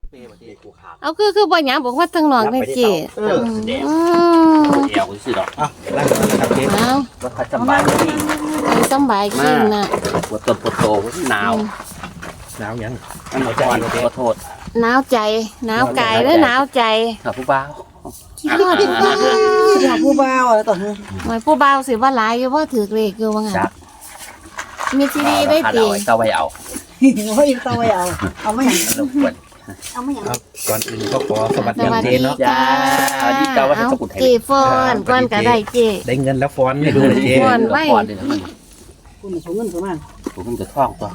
เป้ประเทศกูขาดเอาคือบ่หยังบอกว่าทั้งน้องทั้งเจ๊แดงอืมเดียวกูสิดอกอ่ะร่างกายครับเจ๊เอาว่าเขาจำบายที่ไปสำบายกินน่ะปวดต้นปวดโตหนาวหนาวยังมันหนาวอ่อนขอโทษหนาวใจหนาวกายและหนาวใจครับผู้บ่าวคิดว่าผู้บ่าวอยากผู้บ่าวแล้วต่อเถอะหมายผู้บ่าวสิว่าหลายอยู่บ่ถือเลขอยู่ว่างั้นจักมีซีดีได้เอาติไว้เต้าไว้เอาเฮ้ยต้องไปเอาไม่หยังแล้วปวดเอาไม่หยังครับก่อนอื่นก็ขอสวัสสดีวัสเจ๊ดีเนาะจ้าสวัสดีจ้าว่าให้เอาสกุลไทยเจ๊ฟอนก่อนก็ได้เจ๊ได้เงินแล้วฟ้อนให้ดูเลยเจ๊ฟ้อน ไว้ก่อนเลยนะคุณสูงเงินประมาณผมจะท่องตัว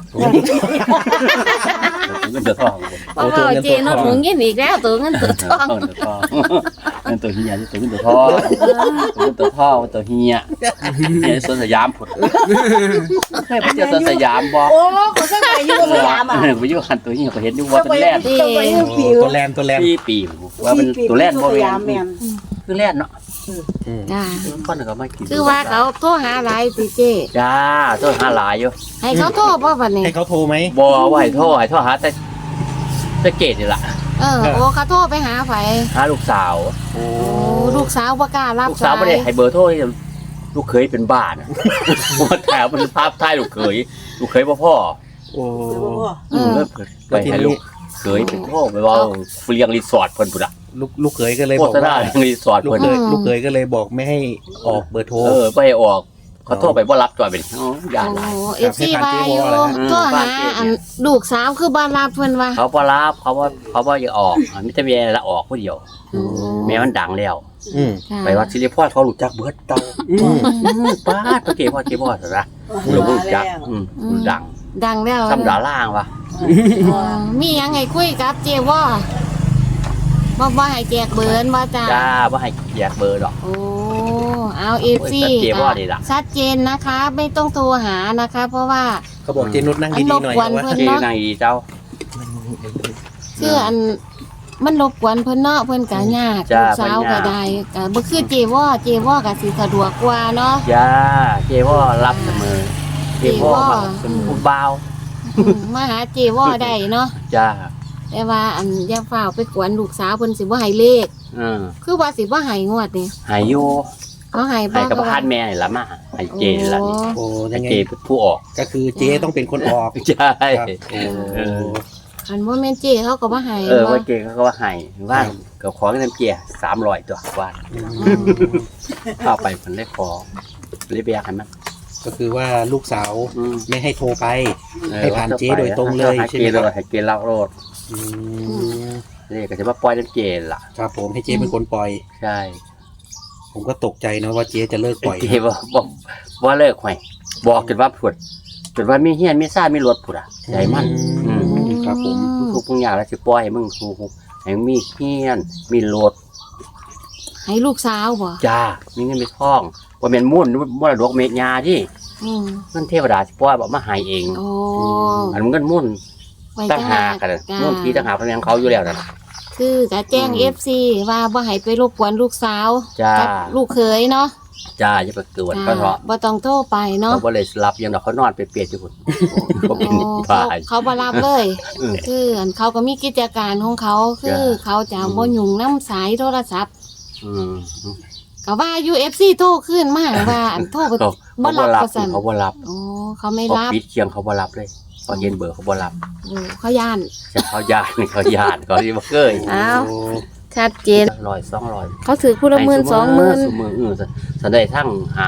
ผมจะท่องเพราะว่าเจ๊เนาะถุงเงินอีกแล้วตัวเงินตัวทองเงินตัวเฮียตัวเงินตัวท่อตัวเงินตัวท่อตัวเฮียเฮียสวนสยามผุดเคยไปเจอสวนสยามบ่โอ้เขาก็ไปอยู่สยามอ่ะไปอยู่หันตัวเฮียก็เห็นอยู่ว่าเป็นแรดต้องไปอยู่โอ้ผิวตัวแลนตัวแลนปีว่าเป็นตัวแรดบ่สแม่ยามแม่นนคือแรดเนาะอืมจ้าคนก็มากินคือว่าเขาโทรหาหลายติเจ๊จ้าตัวหาหลายอยู่ให้เขาโทรบ่บัดนี้ให้เขาโทรไหมบ่ไหวท่อหาแต่เกตนี่ล่ะโอ้เขาโทรไปหาไผหาลูกสาวโอ้โอ้ลูกสาวบ่กล้ารับลูกสาวไม่ได้ให้เบอร์โทรลูกเคยเป็นบ้านะว่าแถวมันภาพท้ายลูกเคยพ่อโอ้ไปให้ลูกเคยเป็นพ่อไปว่าเลี้ยงรีสอร์ทเพิ่นพุ่นอ่ะลูกเขยก็เลยโฆบอกษณาว่าเลี้ยงรีสอร์ทลูกเพิ่นเขยลูกเขยก็เลยบอกไม่ให้ออกเบอร์โทรไปให้ออกเขาโทรไปบ่รับจอยเป็นย่านหลายโอ้FC ว่าอยู่โทรหาอันลูกสาวคือบ่รับเพิ่นว่าเขาบ่รับเขาว่าอย่าออกมิตรเมียละออกผู้เดียวแม่มันดังแล้วอืมไปวัดสิริพรเขารู้จักเบิดเตาอืมป้าตะเกียพ่อซะนะรู้จักดังดังแล้วซ้ำดาล่างว่ะมีหยังให้คุยกับเจว่าบ่ให้แจกเบอร์บ่จ้าจ้าบ่ให้แยกเบอร์ดอกโอ้เอา FC โอ้ยเจ๊ว่าดีล่ะชัดเจนนะคะ ไม่ต้องโทรหานะคะ เพราะว่าเขาบอกเจนุชนั่งดีๆหน่อยมันรบกวนว่าเพิ่นที่ในเจ้าคืออันมันรบกวนเพิ่นเนาะเพิ่นก็ยากจ้าลูกสาวเพิ่ก็นยากได้ก็บ่คือเจว่าก็สิสะดวกกว่าเนาะจ้าเจ๊ว่ารับเสมอเจ๊ว่าเป็นผู้บ่าวมาหาเจว่าได้เนาะจ้าแต่ว่าอันอย่าฟ้าวไปกวนลูกสาวเพิ่นสิบ่ให้เลข คือว่าสิบ่ให้งวดนี่หายอยู่เขาให้บ่ให้กับพันแม่นี่ละมาให้เจนี่ละนี่โอ้ให้ยังไงเจเป็นผู้ออกก็คือเจ๊ต้องเป็นคนออกใช่ครับโอ้อันบ่แม่นเจเขาก็บ่ให้ว่าเจเขาก็ว่าให้ว่าก็ขอเงินเจ300ตัวว่าอืมเข้าไปเพิ่นได้ขอเลยไปอยากให้มันก็คือว่าลูกสาวไม่ให้โทรไป ให้ผ่านเจ๊โดยตรงเลยให้ใช่เจไหมครับเลยให้เจเล่าโลดอืมนี่ก็จะมาปล่อยน้ำเจล่ะครับผมให้เจ๊เป็นคนปล่อยใช่ผมก็ตกใจนะว่าเจ๊จะเลิกปล่อยเจว่าเลิกไว้บอกจนว่าผุดจนว่ามีเฮียนมีซ่ามีรถผุดอ่ะใจมันครับผมทุกอย่างแล้วสิปล่อยให้มึงทุกให้มีเฮียนมีรถให้ลูกสาวบ่จ้ามีเงินมีทองว่าเป็นมุ่นมรดกเม็ดยาที่อืมเงินเทวดาสิปล่อยบอกมาใหายเองโอ้อันเงินมุ่นไว้ตั้งหากันมุ่นที่ตั้งหาพนันเขาอยู่แล้วนั่นคือก็แจ้ง FC ว่าบ่ให้ไปรบกวนลูกสาวจ้ากับลูกเขยเนาะจ้าอย่าไปเกิดเขาเถอะบ่ต้องโทรไปเนาะเขาบ่เลยรับยังดอกเขานอนเปรียกๆอยู่พุ่นเขาเป็นเขาบ้าเขาบ่รับเลยอืมคืออันเขาก็มีกิจการของเขาคือจ้ะเขาจะบ่ยุ่งน้ำสายโทรศัพท์อืมก็ว่า UFC โทรขึ้นมาว่าอันโทรบ่เขาบ่บ่รับรับว่าซั่นเขาบ่รับโอ้เขาไม่เขารับปิดเคียงเขาบ่รับเลยเขาเห็นเบอร์เขาบ่รับโอ้เขาย่านจะเขาญาติเขาญาติเขาที่บ่เคยอ้าวโอ้ชัดเจน 100 200 เขาถือผู้ละหมื่นสองหมื่นซุมื้อสันได้ทั้ง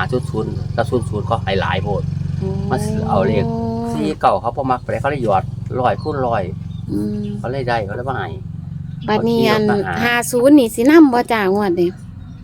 5.0กับ0.0ก็ให้หลายโพด มาเอาเลข ที่เก่าเขาบ่มักไปเขาเลยหยอด100คูณ100 อืมเขาเลยได้เขาเลยบ่ให้บัดนี้อันเขาขี่รถมาหา 50นี่สินำบ่จ้างวดนี้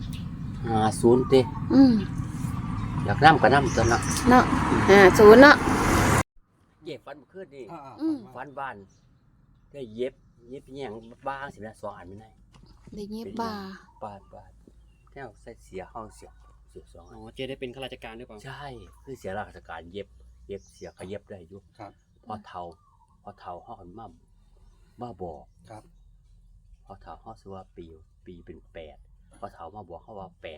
50ติอืมอยากนำก็นำตัวเนาะเนาะ50เนาะเย็บฟันบ่คืนนี่อืมฟันบ้านได้เย็บแยงบ้างสินะ2อันไม่ได้ได้เงียบบ่าบาดแนวใส่เสียห้องเสีย2 อ๋อัอน เจได้เป็นข้าราชการหรือเปล่าใช่คือเสียราชการเย็บเสียเขาเย็บได้อยู่ครับพอเฒ่าเฮาหันมาบอกครับพอเฒ่าเฮาสิว่าปีเป็น8พอเฒ่ามาบอกเฮาว่า88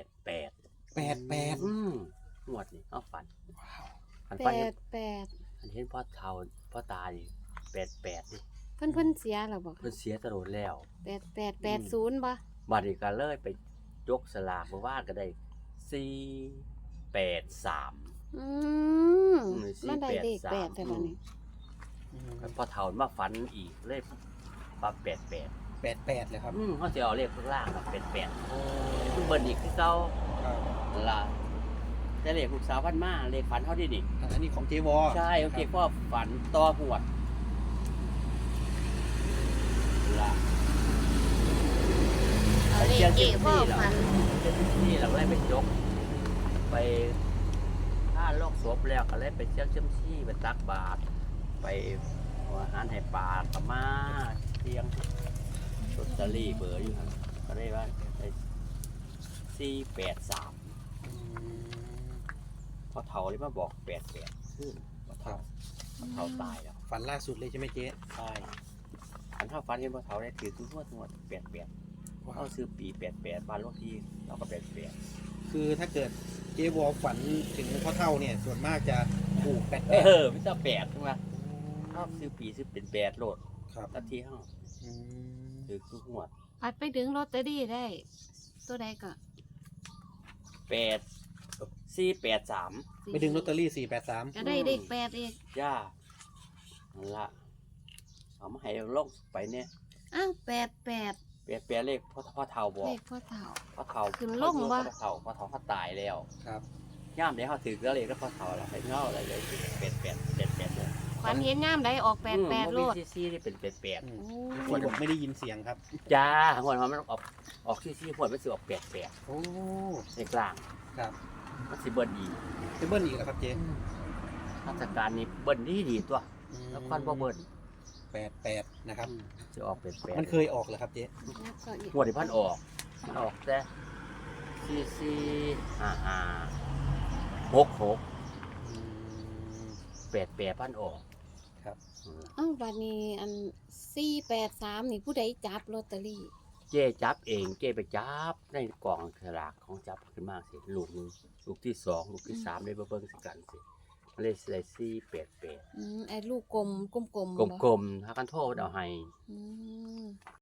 88 งวดนี่เฮาฝันอัน 88 อันเห็นพ่อเฒ่าพ่อตานี่88นี่เพิ่นเสียแล้วบ่เพิ่นเสียตลอดแล้ว 8880บ่บัดนี้ก็เลยไปยกสลากมาว่าก็ได้483 อืมมันได้เลข8แต่บัดนี้พอเฒ่ามาฝันอีกเลยปรับ88 88เลยครับเขาสิเอาเลขข้างล่างมา88เบิ่นอีกคือเก่าครับล่ะแต่เลขลูกสาวพันมาเลขฝันเฮาดินี่อันนี้ของเจวอใช่โอเคพ่อฝันต่อหวดล่ะเอาเลขเจ๊พ่อฝันนี่เราเลยไปยกไปถ้าโลกศพแล้วก็เลยไปเชี่ยวเชื่อมชี่ไปตักบาตรไปเอาอาหารให้ปลากับมาเที่ยงลอตเตอรี่เบอร์อยู่ครับก็ได้ว่าได้483พอเฒ่าเลยมาบอก88ขึ้นพอเฒ่าตายแล้วฝันล่าสุดเลยใช่ไหมเจ๊ใช่อันเท่าฟันเห็นพอเฒ่าได้ถือทุกงวด88เอาซื้อปี88บ้านเลขที่เราก็88 คือถ้าเกิดเจวอฝันถึงพ่อเท่าเนี่ยส่วนมากจะถูก88 ไม่ต้อง8ใช่ไหมชอบซื้อปีซื้อเป็น8โลดครับทันทีเฮาอืมถือทุกงวดปัดไปดึงลอตเตอรี่ได้ ตัวใดก็ 8483 ไปดึงลอตเตอรี่483 ก็ได้เลข8อีกจ้านั่นละเอามาให้ลงไปเนี่ยอ้าว88 เปลี่ยนเลขพ่อเฒ่าบอกเลขพ่อเฒ่าพ่อเฒ่าขึ้นลงวะพ่อเฒ่าเขาตายแล้วครับย่ามเดี๋ยวเขาถือก็เลยก็พ่อเฒ่าแล้วให้เงาอะไรเลย88เลยฝันเห็นยามใดออก88โลดซี่ที่เป็น88 โอ้คนบอกไม่ได้ยินเสียงครับจ้าหัวมันออกซี่หัวมันสิออก88 โอ้ในกลางครับมันสิเบิ้ลอีกจะเบิ้ลอีกแล้วครับเจ๊ราชการนี้เบิ้ลดีตัวแล้วค่อนบ่เบิ้ล 88นะครับจะออก88 มันเคยออกเหรอครับเจ๊แล้วก็อีกหัวที่พันออกมันออกแต่4455 88พันออกครับอ้าวบัดนี้อัน483นี่ผู้ใดจับลอตเตอรี่เจ๊จับเองเจ๊ไปจับในกล่องสลากของจับขึ้นมาสิลูกหนึงลูกที่2ลูกที่3ได้เบิ่งสิกันสิมันเลยได้488 ไอ้ลูกกลมกลมๆบ่กลมๆถ้ากันโทษเอาให้อืม